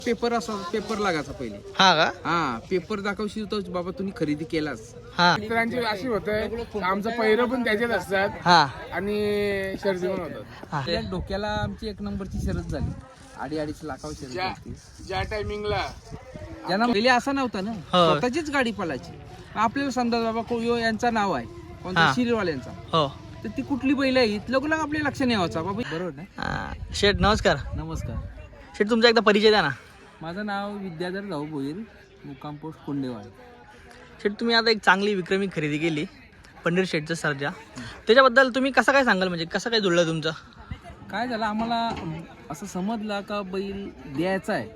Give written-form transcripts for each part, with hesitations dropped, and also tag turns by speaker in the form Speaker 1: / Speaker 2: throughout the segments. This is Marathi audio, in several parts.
Speaker 1: पेपर असा पेपर लागायचा पहिले.
Speaker 2: हा का?
Speaker 1: हा पेपर दाखवशील तर बाबा तुम्ही खरेदी केलास.
Speaker 2: हा
Speaker 3: मित्रांची अशी होतं आमचं पहिरं पण त्याच्यात असतात
Speaker 2: हा
Speaker 3: आणि शर्दी पण होतात.
Speaker 2: हा.
Speaker 1: आपल्या डोक्याला आमची एक नंबरची शरद झाली. 2.5 लाखावर शरद झाली.
Speaker 3: ज्या टायमिंगला
Speaker 1: ज्यांना पहिले असा नव्हता ना,
Speaker 2: हो.
Speaker 1: स्वतःचीच गाडी पळायची. आपल्याला समजा बाबा कोयो यांचा नाव आहे कोणत्या
Speaker 2: हा.
Speaker 1: शिरीवाल्यांचा,
Speaker 2: हो.
Speaker 1: तर ती कुठली बैल आहे लोक आपल्या लक्ष नाही यावं बाबा. बरोबर ना.
Speaker 2: शेठ नमस्कार.
Speaker 1: नमस्कार.
Speaker 2: शेठ तुमचा एकदा परिचय द्या ना.
Speaker 1: माझं नाव विद्याधर राव भोईर, मुक्काम पोस्ट कोंडेवाड.
Speaker 2: शेठ तुम्ही आता एक चांगली विक्रमी खरेदी केली पंढीर शेठचं सर्जा, त्याच्याबद्दल तुम्ही कसं काय सांगाल, म्हणजे कसं काय जुळलं तुमचं?
Speaker 1: काय झालं आम्हाला असं समजलं का बैल द्यायचा आहे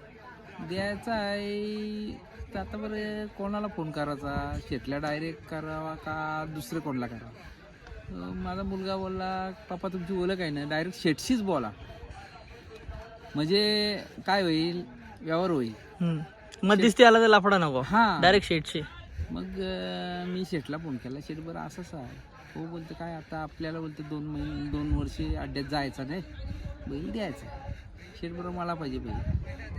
Speaker 1: तर आता बरं कोणाला फोन करायचा, शेटला डायरेक्ट करावा का दुसरे कोणाला करावा. माझा मुलगा बोलला पप्पा तुमची ओळख आहे ना, डायरेक्ट शेटशीच बोला म्हणजे काय होईल, व्यवहार होईल.
Speaker 2: मग दिसते आला तर लाफडा नको.
Speaker 1: हां.
Speaker 2: डायरेक्ट शेठशी.
Speaker 1: मग मी शेटला फोन केला. शेट बरं असंच आहे. हो बोलते काय आता आपल्याला बोलते 2 वर्षे अड्ड्यात जायचं नाही, बैल द्यायचा. शेट बरं मला पाहिजे बैल.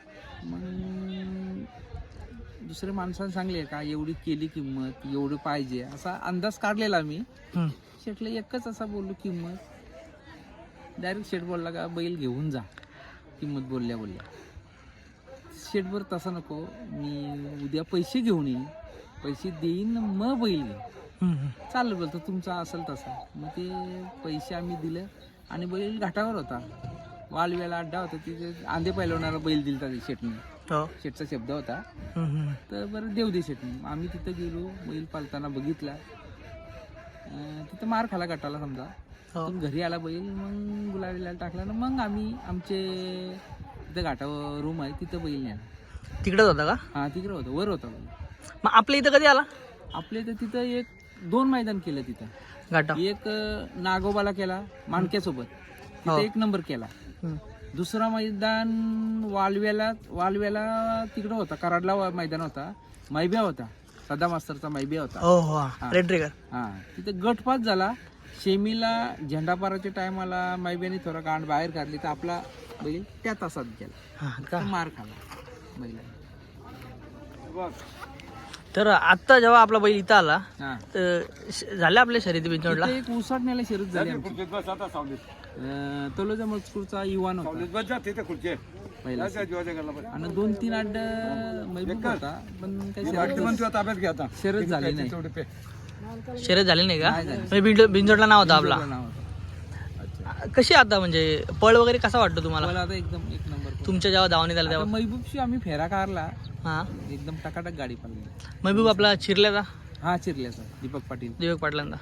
Speaker 1: मग दुसऱ्या माणसाने सांगले का एवढी केली किंमत, एवढं पाहिजे असा अंदाज काढलेला मी. शेटला एकच असा बोललो किंमत. डायरेक्ट शेट बोलला का बैल घेऊन जा किंमत बोलल्या. शेट बरं तसं नको, मी उद्या पैसे घेऊन येईन, पैसे देईन मग बैल घे. चालेल बोलतो तुमचा असेल तसा. मग ते पैसे आम्ही दिले आणि बैल घाटावर होता, वालव्याला अड्डा होता, तिथे आंधे पैलवणारा बैल दिलता शेटने. शेटचा शब्द होता. तर बरं देऊ दे शेटने. आम्ही तिथं गेलो, बैल पालताना बघितला. तिथं मार खाला गटाला समजा. पण घरी आला बैल, मग गुलाबीला टाकला ना, मग आम्ही आमचे तिथं घाटावर रूम आहे तिथं बैल न्याला.
Speaker 2: तिकडेच होता का?
Speaker 1: हा तिकडं होतं, वर होता बैल.
Speaker 2: मग आपल्या इथं कधी आला?
Speaker 1: आपल्या इथं तिथं 2 मैदान केलं तिथं.
Speaker 2: घाटा.
Speaker 1: एक नागोबाला केला माणक्यासोबत, तिथं 1 नंबर केला. दुसरा मैदान वालव्याला तिकडं होता, कराडला मैदान होता, मैब्या होता, सदा मास्तरचा मैब्या होता.
Speaker 2: हो रेड ट्रिगर.
Speaker 1: हा तिथं गटपास झाला. शेमीला झेंडापाराच्या टायमाला मैब्याने थोडा गांड बाहेर काढली तर आपला बैल त्या तासात गेला, मार खाला बैला.
Speaker 2: तर आता जेव्हा आपला बैल इथं आला
Speaker 1: हा
Speaker 2: तर झाले आपल्या शर्यती बिंचवडला.
Speaker 1: एक उसाटण्याला शर्यत झाली आमची. तलोजा मजकूरचा युवान होता पहिला, आणि 2-3 अड्ड महबूब होता, पण काही शर्यत झाली नाही.
Speaker 2: शर्यत झाली नाही का?
Speaker 1: नाही झाली.
Speaker 2: म्हणजे बिंजोडला नाव होता आपला.
Speaker 1: नाव होतं.
Speaker 2: कशी आता म्हणजे पळ वगैरे कसा वाटतो तुम्हाला
Speaker 1: मला आता एकदम 1 नंबर.
Speaker 2: तुमच्या जेव्हा धावणी झाला तेव्हा?
Speaker 1: महबूबशी आम्ही फेरा काढला,
Speaker 2: हा
Speaker 1: एकदम टकाटक गाडी पडली.
Speaker 2: महबूब आपला चिरल्याचा
Speaker 1: हा चिरल्याचा दीपक पाटील.
Speaker 2: दिवक पाटलांचा.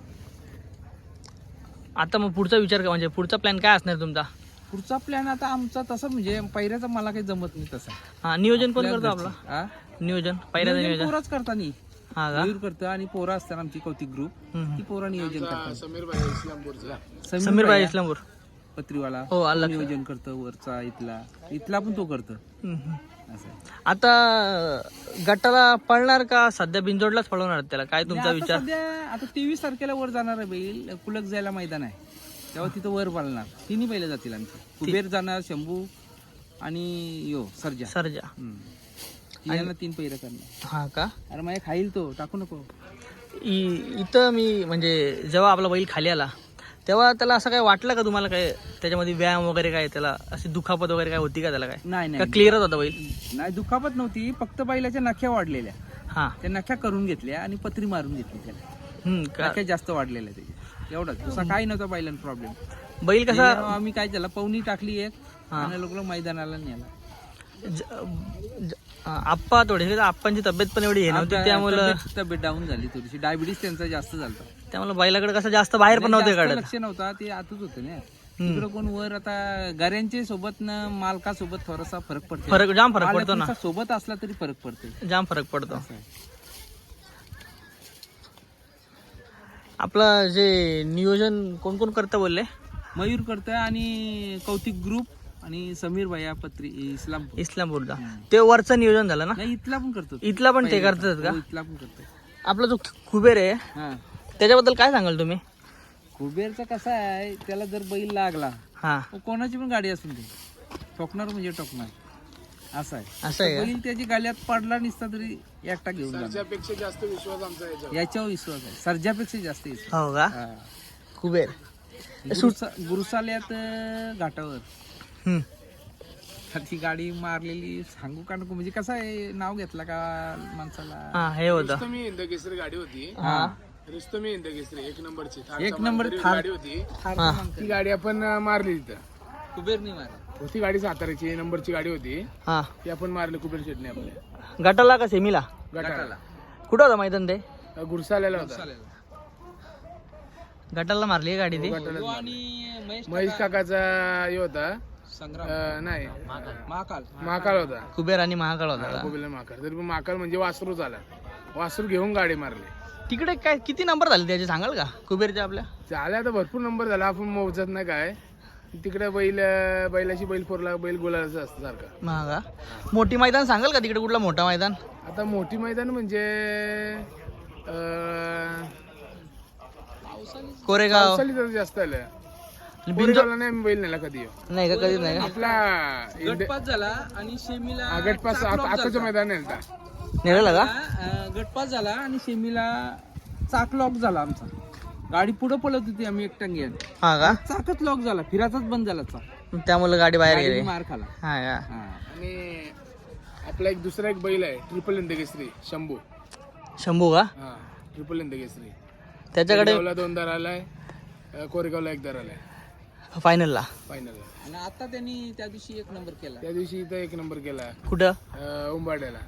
Speaker 2: आता मग पुढचा विचार का, म्हणजे पुढचा प्लॅन काय असणार तुमचा?
Speaker 1: पुढचा प्लॅन आता आमचा तसा म्हणजे पहिल्याचा मला काही जमत नाही तसा.
Speaker 2: हा नियोजन कोण करतो आपला?
Speaker 1: हा
Speaker 2: नियोजन पहिल्याचं नियोजन
Speaker 1: पोराच करतानी.
Speaker 2: हा का?
Speaker 1: मयूर करतं आणि पोरा असतात आमची कौतिक ग्रुप, ती पोरा नियोजन करतात.
Speaker 2: समीर भाई इस्लामपूर
Speaker 1: पत्रीवाला
Speaker 2: हो आला.
Speaker 1: नियोजन करतं, वरचा इथला पण तो करतो. असं आहे.
Speaker 2: आता गटाला पळणार का सध्या बिंजोडलाच पळवणार त्याला, काय तुमचा
Speaker 1: आता
Speaker 2: विचार?
Speaker 1: सध्या आता 23 तारखेला वर जाणार आहे बैल, कुलक जायला मैदान आहे तेव्हा तिथं वर पळणार. 3 बैल जातील आमची. कुबेर जाणार, शंभू आणि सर्जा.
Speaker 2: सर्जा.
Speaker 1: यांना 3 पैर करणार.
Speaker 2: हा का?
Speaker 1: अरे माझ्या खाईल तो, टाकू नको.
Speaker 2: इथं मी म्हणजे जेव्हा आपला बैल खाली आला तेव्हा त्याला असं काय वाटलं का तुम्हाला, काय त्याच्यामध्ये व्यायाम वगैरे काय, त्याला अशी दुखापत वगैरे काय होती का त्याला? काय
Speaker 1: नाही
Speaker 2: का क्लिअरच होता बैल?
Speaker 1: नाही दुखापत नव्हती, फक्त बैलाच्या नख्या वाढलेल्या.
Speaker 2: हा
Speaker 1: त्या नख्या करून घेतल्या आणि पत्री मारून घेतली त्याला. नख्या जास्त वाढलेल्या त्याच्या, एवढाच. दुसरा काही नव्हता बैलांना प्रॉब्लेम.
Speaker 2: बैल कसा
Speaker 1: आम्ही काय त्याला पवनी टाकली एक आणि लोक मैदानाला नेला.
Speaker 2: आप्पा थोडीशी आप्पांची तब्येत पण एवढी हे नव्हती, त्यामुळे
Speaker 1: तब्येत डाऊन झाली थोडीशी. डायबिटीस त्यांचा जास्त झाला,
Speaker 2: त्यामुळे बैलाकडे कसं जास्त बाहेर पण नव्हते काढत.
Speaker 1: लक्ष नव्हता, ते आतच होतं ना. तिकडं कोण वर आता गाऱ्यांच्या सोबत ना मालकासोबत थोडासा फरक पडतो.
Speaker 2: जाम फरक पडतो ना.
Speaker 1: सोबत असला तरी फरक पडतो,
Speaker 2: जाम फरक पडतो. आपलं जे नियोजन कोण कोण करतं बोलले?
Speaker 1: मयूर करतोय आणि कौतिक ग्रुप आणि समीर भैया पत्री
Speaker 2: इस्लामपूरचा. ते वरचं नियोजन झालं ना?
Speaker 1: नाही इथला पण करतो.
Speaker 2: इथला पण ते करतात का?
Speaker 1: इथला पण करतो.
Speaker 2: आपला जो कुबेर आहे त्याच्याबद्दल काय सांगाल तुम्ही?
Speaker 1: कुबेरचा कसा आहे, त्याला जर बैल लागला
Speaker 2: हा
Speaker 1: कोणाची पण गाडी असून दे, ठोकणार म्हणजे ठोकणार. असं आहे.
Speaker 2: असं आहे का?
Speaker 1: बैल त्याची गाल्यात पडला नसता तरी एकटा घेऊन जाणार.
Speaker 3: त्यापेक्षा जास्त विश्वास आमचा याच्यावर.
Speaker 1: याच्यावर विश्वास आहे, सर्जापेक्षा जास्त विश्वास.
Speaker 2: हो का?
Speaker 1: हा.
Speaker 2: कुबेर.
Speaker 1: गुरुसाल्यात घाटावर
Speaker 2: हम्म.
Speaker 1: तर ती गाडी मारलेली सांगू का नको, म्हणजे कसं आहे नाव घेतलं का माणसाला.
Speaker 2: हा हे होतं.
Speaker 3: रुस्तमी हिंदकेसरी गाडी होती.
Speaker 2: हा
Speaker 3: रुस्तमी हिंदकेसरी 1 नंबरची
Speaker 1: एक नंबर
Speaker 3: गाडी होती.
Speaker 2: हा.
Speaker 3: ती गाडी आपण मारली तिथं.
Speaker 1: कुबेर नाही मारला.
Speaker 3: होती गाडी साताऱ्याची नंबरची गाडी होती.
Speaker 2: हा.
Speaker 3: ती आपण मारली कुबेर शेटने आपल्या
Speaker 2: गटाला का सेमीला?
Speaker 3: गटाला.
Speaker 2: कुठं होतं मैदान ते?
Speaker 3: गुरसाल्याला होता.
Speaker 2: गटाला मारली आहे गाडी ती?
Speaker 3: गटाला.
Speaker 1: आणि
Speaker 3: महेश काकाचा हे होता.
Speaker 1: संग्राम
Speaker 3: नाही
Speaker 1: महाकाल
Speaker 3: महाकाल होता.
Speaker 2: कुबेर आणि महाकाळ होता का?
Speaker 3: कुबेर महाकाल. तरी पण महाकाल म्हणजे वासरू झाला. वासरू घेऊन गाडी मारली.
Speaker 2: तिकडे काय किती नंबर झाले त्याचे सांगाल का कुबेरच्या आपल्या?
Speaker 3: झाल्या तर भरपूर नंबर झाला. आपण मोजत नाही काय. तिकडे बैलाची बैल फोरला बैल गोलाचं असतं सारखं.
Speaker 2: हा का? मोठी मैदान सांगाल का तिकडे कुठला मोठा मैदान?
Speaker 3: आता मोठी मैदान म्हणजे
Speaker 2: कोरेगाव
Speaker 3: पावसाळी तर जास्त आलं.
Speaker 2: बिंजो
Speaker 3: कोरेगावला नाही आम्ही बैल नेला कधी.
Speaker 2: नाही का? कधीच नाही का?
Speaker 3: आपला
Speaker 1: गटपास झाला आणि सेमीला
Speaker 3: गटपास आताचं मैदान नेलता.
Speaker 2: नेलेला का?
Speaker 1: गटपास झाला आणि सेमीला चाक लॉक झाला आमचा. गाडी पुढे पळत होती, आम्ही एकटांगी
Speaker 2: हा का?
Speaker 1: चाकच लॉक झाला, फिराचाच बंद झाला चाक.
Speaker 2: त्यामुळे गाडी बाहेर गेली.
Speaker 1: गाडीने मार खाला.
Speaker 2: हा का?
Speaker 1: हा.
Speaker 3: आणि आपला एक दुसरा एक बैल आहे ट्रिपल हिंदकेसरी शंभू.
Speaker 2: शंभू का?
Speaker 3: हा ट्रिपल हिंदकेसरी.
Speaker 2: त्याच्याकडे
Speaker 3: कोरेगावला 2 दार आलाय. कोरेगावला 1 दार आलाय
Speaker 2: फायनलला.
Speaker 3: फायनलला.
Speaker 1: आणि आता त्यांनी त्या दिवशी 1 नंबर केला.
Speaker 3: त्या दिवशी इथं 1 नंबर केला
Speaker 2: कुठं?
Speaker 3: उंबाड्याला.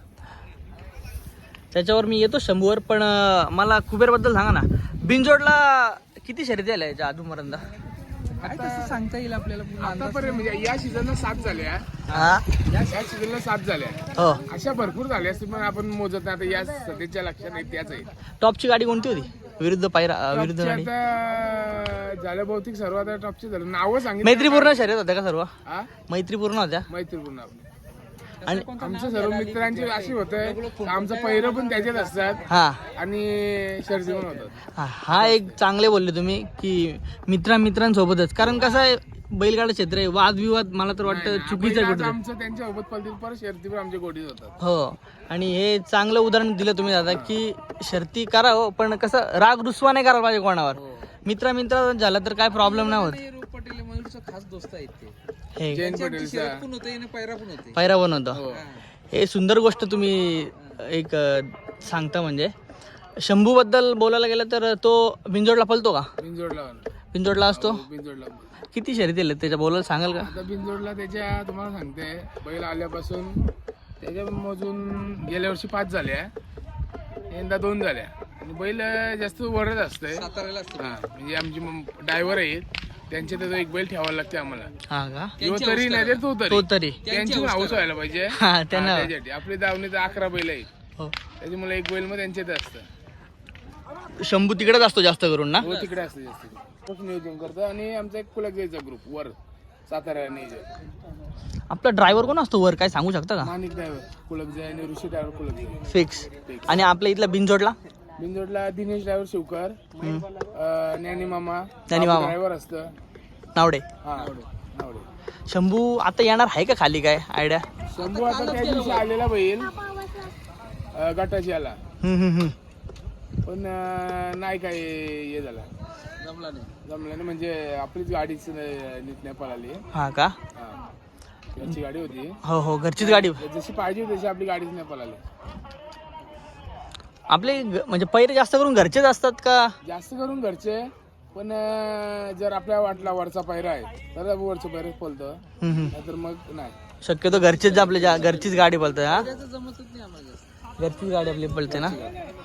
Speaker 2: त्याच्यावर मी येतो शंभूवर, पण मला कुबेर बद्दल सांगा ना. बिनजोडला किती शर्यती आल्या याच्या अजूनपर्यंत?
Speaker 1: काय तसं सांगता येईल आपल्याला पूर्ण अंदाज.
Speaker 3: आतापर्यंत म्हणजे या सीझनला 7 झाल्या.
Speaker 2: हा
Speaker 3: या सीझनला 7 झाल्या.
Speaker 2: हो.
Speaker 3: अशा भरपूर झाल्या असतील पण आपण मोजत नाही. आता या सध्याच्या लक्षात नाही त्याच आहे.
Speaker 2: टॉपची गाडी कोणती होती? विरुद्ध विरुद्ध
Speaker 3: टॉपची
Speaker 2: गाडी
Speaker 3: आता झालं बहुतेक सर्व आता टॉपची झालं. नावं सांगितलं.
Speaker 2: मैत्रीपूर्ण शर्यत होत्या का सर्व?
Speaker 3: हा
Speaker 2: मैत्रीपूर्ण होत्या.
Speaker 3: मैत्रीपूर्ण आपली.
Speaker 2: आणि
Speaker 3: आमच्या सर्व मित्रांची अशी होतं. आमचं पहिरं पण त्याच्यात असतात
Speaker 2: हा
Speaker 3: आणि शर्दी पण होतात.
Speaker 2: हा एक चांगले बोलले तुम्ही की मित्रांसोबतच, कारण कसं आहे बैलगाडा क्षेत्र आहे, वादविवाद मला तर वाटतं चुकीचं आहे
Speaker 3: आज
Speaker 2: कुठं.
Speaker 3: आमचं त्यांच्या सोबत पलतील परत शर्दी पण आमच्या गोडीत होतात.
Speaker 2: हो. आणि हे चांगलं उदाहरण दिलं तुम्ही दादा की शर्ती करा हो, पण कसं राग रुसवा नाही करायला पाहिजे कोणावर. मित्र झाला तर काय प्रॉब्लेम नाही होत.
Speaker 1: रूप पटेल मयूरचा खास दोस्त आहेत ते.
Speaker 2: हे
Speaker 3: जैन
Speaker 1: त्यांची
Speaker 3: पटेलचा
Speaker 1: शर्यत पण होते आणि पैरा पण होते.
Speaker 2: पैरा बनवतो.
Speaker 3: हो.
Speaker 2: हे सुंदर गोष्ट तुम्ही एक सांगता. म्हणजे शंभू बद्दल बोलायला गेलं तर तो बिंजोडला पळतो का?
Speaker 3: बिनजोडला
Speaker 2: बिंजोडला असतो.
Speaker 3: बिनजोडला
Speaker 2: किती शर्यती आल्या त्याच्या बोलायला सांगाल का?
Speaker 3: आता बिनजोडला त्याच्या तुम्हाला सांगते बैल आल्यापासून त्याच्या मोजून गेल्या वर्षी 5 झाल्या. यंदा 2 झाल्या. आणि बैल जास्त वरच असतंय.
Speaker 1: साताऱ्याला असते.
Speaker 3: हा म्हणजे आमचे ड्रायव्हर आहेत त्यांच्या त्याचा एक बैल ठेवायला लागते आम्हाला.
Speaker 2: हा का?
Speaker 3: यो तरी नाही तर तो
Speaker 2: तो
Speaker 3: तरी
Speaker 2: तरी
Speaker 3: त्यांची हाऊस व्हायला पाहिजे.
Speaker 2: हा त्यांना
Speaker 3: त्याच्यासाठी आपली दावणीत 11 बैल आहेत.
Speaker 2: हो.
Speaker 3: त्याच्यामुळे एक बैल मग त्यांच्यात असतं.
Speaker 2: शंभू तिकडेच असतो जास्त करून ना?
Speaker 3: हो तिकडे असतं जास्त. तोच नियोजन करतो. आणि आमचा एक कुलकजाईचा ग्रुप वर सातारा नियोजन.
Speaker 2: आपला ड्रायव्हर कोण असतो वर, काय सांगू शकता का?
Speaker 3: माणिक ड्रायव्हर कुलकजाई आणि ऋषी ड्रायव्हर कुलकजाई.
Speaker 2: फिक्स. आणि आपल्या इथला बिनजोडला
Speaker 3: बिनजोडला दिनेश ड्रायव्हर शिवकर, ज्ञानी मामा ड्रायव्हर असतं.
Speaker 2: नावडे.
Speaker 3: हा नावडे.
Speaker 2: शंभू आता येणार आहे का खाली, काय आयडिया?
Speaker 3: शंभू आता त्या दिवशी आलेला बैल गटाची आला पण नाही काय हे झाला.
Speaker 1: जमला नाही.
Speaker 3: जमलं नाही म्हणजे आपलीच गाडीच नीट नाही पळाली.
Speaker 2: हा का?
Speaker 3: हा घरची गाडी होती.
Speaker 2: हो हो, घरचीच गाडी.
Speaker 3: जशी पाहिजे तशी आपली गाडीच नाही पळाली.
Speaker 2: आपले म्हणजे पैरे जास्त करून घरचेच असतात का?
Speaker 3: जास्त करून घरचे पण जर आपल्या वाटला वरचा पैरा आहे तर वरचं पैरा पळतं. नाहीतर मग नाही.
Speaker 2: शक्यतो घरचेच आपल्या घरचीच गाडी पळते. हा
Speaker 1: त्याचं जमतच नाही आम्हाला जास्त.
Speaker 2: घरचीच गाडी आपली पळते ना.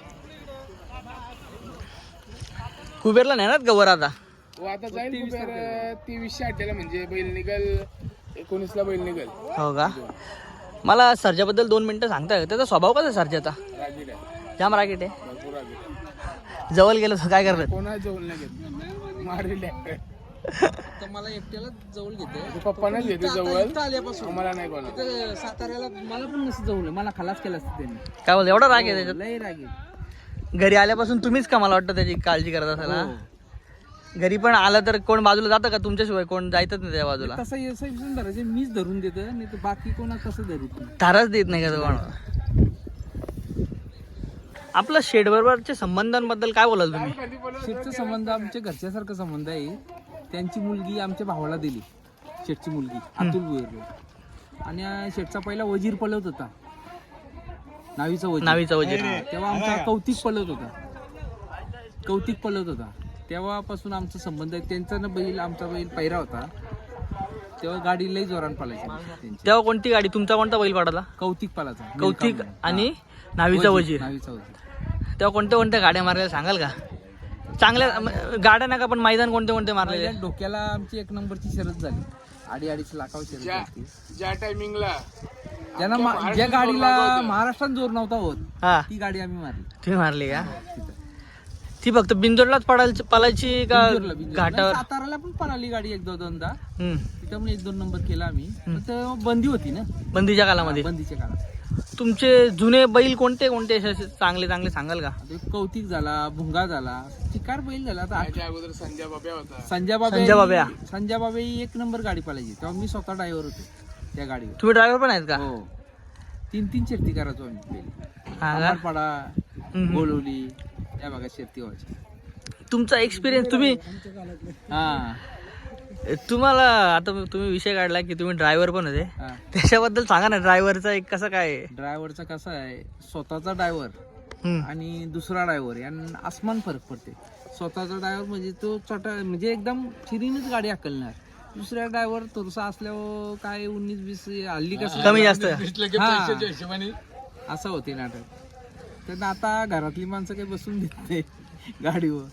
Speaker 2: कुबेरला नेणार का वर आता?
Speaker 3: हो आता जाईल कुबेर 23/8 म्हणजे बैल निघल 19ला बैल निघल.
Speaker 2: हो का? मला सर्जाबद्दल 2 मिनिटं सांगता का? त्याचा स्वभाव कसा आहे सर्जाचा?
Speaker 3: रागीट आहे.
Speaker 2: जाम रागीट आहे.
Speaker 3: भरपूर रागीट आहे.
Speaker 2: जवळ गेलो तर काय करणार?
Speaker 3: कोणा जवळ नाही घेत मारले.
Speaker 1: तर मला एकट्याला जवळ घेते.
Speaker 3: पप्पानाच घेते जवळ.
Speaker 1: इथं आल्यापासून
Speaker 3: आम्हाला नाही कोणा.
Speaker 1: इथं साताऱ्याला मला पण नसतं जवळ. मला खलास केला असतं त्यांनी.
Speaker 2: काय बोलतो, एवढा राग आहे त्याच्यात?
Speaker 1: लय राग आहे.
Speaker 2: घरी आल्यापासून तुम्हीच का मला वाटतं त्याची काळजी करत असाल? हा? घरी पण आलं तर कोण बाजूला जातं का तुमच्याशिवाय? कोण जायचंच नाही त्या बाजूला?
Speaker 1: तसं एस आय धरायचे मीच धरून देतो, नाही तर बाकी कोणा कसं धरीत नाही.
Speaker 2: धाराच देत नाही का कोण? आपलं शेड बरोबरच्या संबंधांबद्दल काय बोलाल तुम्ही?
Speaker 1: शेठचा संबंध आमच्या घरच्यासारखा संबंध आहे. त्यांची मुलगी आमच्या भावाला दिली, शेठची मुलगी अतुल भुईर. आणि शेठचा पहिला वजीर पलत होता, नावीचा वजीर. तेव्हा आमचा कौतिक पलत होता. तेव्हापासून आमचा संबंध आहे. त्यांचा ना बैल, आमचा बैल पैरा होता, तेव्हा गाडी लई जोरान पळायची त्यांची.
Speaker 2: तेव्हा कोणती गाडी? तुमचा कोणता बैल पडाला?
Speaker 1: कौतिक पलाचा.
Speaker 2: कौतिक आणि नावीचा वजीर. तेव्हा कोणत्या कोणत्या गाड्या मारल्या सांगाल का? चांगल्या गाड्या नका पण मैदान कोणते कोणते मारलेले?
Speaker 1: डोक्याला आमची 1 नंबरची शर्यत झाली, 2.5 लाखावर शर्यत झाली.
Speaker 3: ज्या टायमिंगला
Speaker 1: ज्या गाडीला महाराष्ट्रात जोर नव्हता होत,
Speaker 2: हा,
Speaker 1: ती गाडी आम्ही मारली.
Speaker 2: तुम्ही मारली का? ती फक्त बिंजोडलाच पळायची का घाटावर?
Speaker 1: साताराला पण पळाली गाडी 1-2दा.
Speaker 2: हम्म.
Speaker 1: तिथं पण 1-2 नंबर केला आम्ही. पण तेव्हा बंदी होती ना,
Speaker 2: बंदीच्या कालामध्ये.
Speaker 1: बंदीच्या काळात.
Speaker 2: तुमचे जुने बैल कोणते कोणते असे चांगले चांगले सांगाल का?
Speaker 1: कौतिक झाला, भुंगा झाला, चिकार बैल झाला. आता
Speaker 3: त्याच्या अगोदर संजय बाब्या होता.
Speaker 1: संजय बाबा 1 नंबर गाडी पळायची. तेव्हा मी स्वतः ड्रायव्हर होतो त्या गाडीवर.
Speaker 2: तुम्ही ड्रायव्हर पण आहेत का?
Speaker 1: हो, 3 शर्ती करायचो आम्ही
Speaker 2: हा का?
Speaker 1: पडा, बोलवली, त्या भागात शर्ती व्हायची.
Speaker 2: तुमचा एक्सपिरियन्स तुम्ही
Speaker 1: हा
Speaker 2: तुम्हाला आता तुम्ही विषय काढला की तुम्ही ड्रायव्हर पण होते,
Speaker 1: हा.
Speaker 2: त्याच्याबद्दल सांगा ना. ड्रायव्हरचा एक कसं काय?
Speaker 1: ड्रायव्हरचा कसा आहे, स्वतःचा ड्रायव्हर आणि दुसरा ड्रायव्हर यांना आसमान फरक पडते. स्वतःचा ड्रायव्हर म्हणजे तो म्हणजे एकदम चिरीनच गाडी हाकलणार. दुसऱ्या ड्रायव्हर थोडसा असल्यावर काय 19-20 हल्ली कसं
Speaker 2: कमी जास्त.
Speaker 1: असं होते नाटक. तर आता घरातली माणसं काही बसून देत नाही गाडीवर.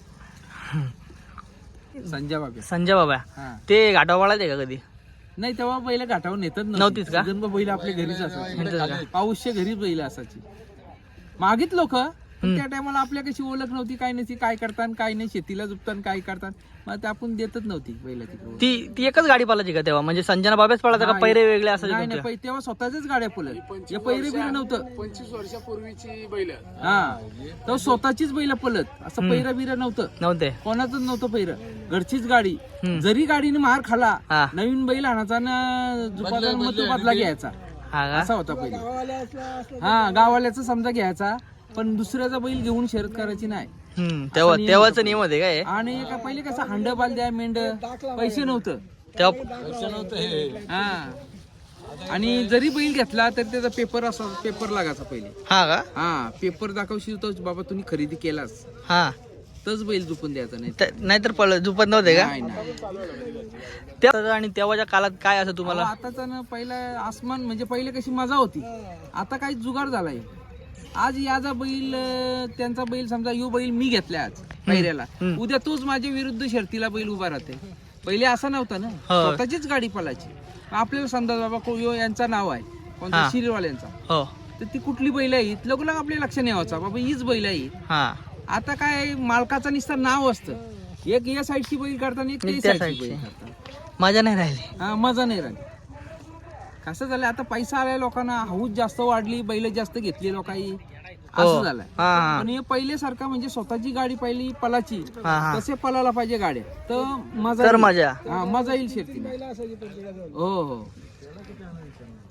Speaker 1: संजय बाबा हा.
Speaker 2: ते घाटावाळाच आहे का कधी?
Speaker 1: नाही, तेव्हा बैल घाटावर नेतच
Speaker 2: नव्हतीच का?
Speaker 1: बैल आपल्या घरीच
Speaker 2: नव्हतीच
Speaker 1: असायची. पाऊसच्या घरी बैल असायची. मागित लोक त्या टायमाला आपल्या कशी ओळख नव्हती, काय नव्हती, काय करतात काय नाही, शेतीला जुपतात काय करतात, मग ते आपण देतच नव्हती बैलाची.
Speaker 2: ती एकच गाडी पळायची का तेव्हा? म्हणजे संजना बाबेच पळायचा का पैरे वेगळे असायचे?
Speaker 1: नाही, तेव्हा स्वतःच गाड्या पळत. हे पैरे बिरे नव्हतं.
Speaker 3: 25 वर्षापूर्वीची बैल.
Speaker 1: हा, तर स्वतःचीच बैल पळत. असं पैरा बिरा
Speaker 2: नव्हते,
Speaker 1: कोणाचंच नव्हतं पैर. घरचीच गाडी. जरी गाडीने मार खाला,
Speaker 2: हा.
Speaker 1: नवीन बैल आणायचा ना जुपाचा मग तो बदला घ्यायचा.
Speaker 2: हा का?
Speaker 1: असा होता पहिले. हा, गावाल्याचा समजा घ्यायचा, पण दुसऱ्याचा बैल घेऊन शर्यत करायची नाही.
Speaker 2: तेव्हाच नियम होते काय?
Speaker 1: आणि पहिले कसं हांड बालद्या मेंढ पैसे नव्हतं
Speaker 2: तेव्हा.
Speaker 1: हा, आणि जरी बैल घेतला तर त्याचा पेपर लागायचा पहिले.
Speaker 2: हा का?
Speaker 1: हा, पेपर दाखवशील तोच बाबा तुम्ही खरेदी केलास,
Speaker 2: हा,
Speaker 1: तोच बैल झुपून द्यायचा नाही.
Speaker 2: नाहीतर झुपत नव्हते का?
Speaker 1: नाही.
Speaker 2: आणि तेव्हाच्या काळात काय असं तुम्हाला?
Speaker 1: आताचा ना पहिला आसमान म्हणजे पहिले कशी मजा होती, आता काही जुगाड झालाय. आज याचा बैल, त्यांचा बैल, समजा यो बैल मी घेतला आज पहिऱ्याला, उद्या तोच माझ्या विरुद्ध शर्तीला बैल उभा राहते. पहिले असं नव्हतं ना, स्वतःचीच गाडी पळायची. आपल्याला समजा बाबा यो यांचा नाव आहे, कोणत्या शिरीवाल्यांचा,
Speaker 2: हो,
Speaker 1: तर ती कुठली बैल आहे लगोलग आपल्या लक्ष नाही व्हायचा बाबा हीच बैल आहे. आता काय मालकाचा नुसतं नाव असतं. एक या साईडची बैल करताना एक त्या साईडची बैल करतात.
Speaker 2: मजा नाही राहिली.
Speaker 1: हा, मजा नाही राहिली. कसं झालं आता, पैसा आलाय लोकांना, हौस जास्त वाढली, बैल जास्त घेतली लोकांनी, असं झालंय. पण हे पहिले सारखं म्हणजे स्वतःची गाडी पहिली पलाची, तसे पलायला पाहिजे गाड्या, तर मजा येईल शेती. हो हो.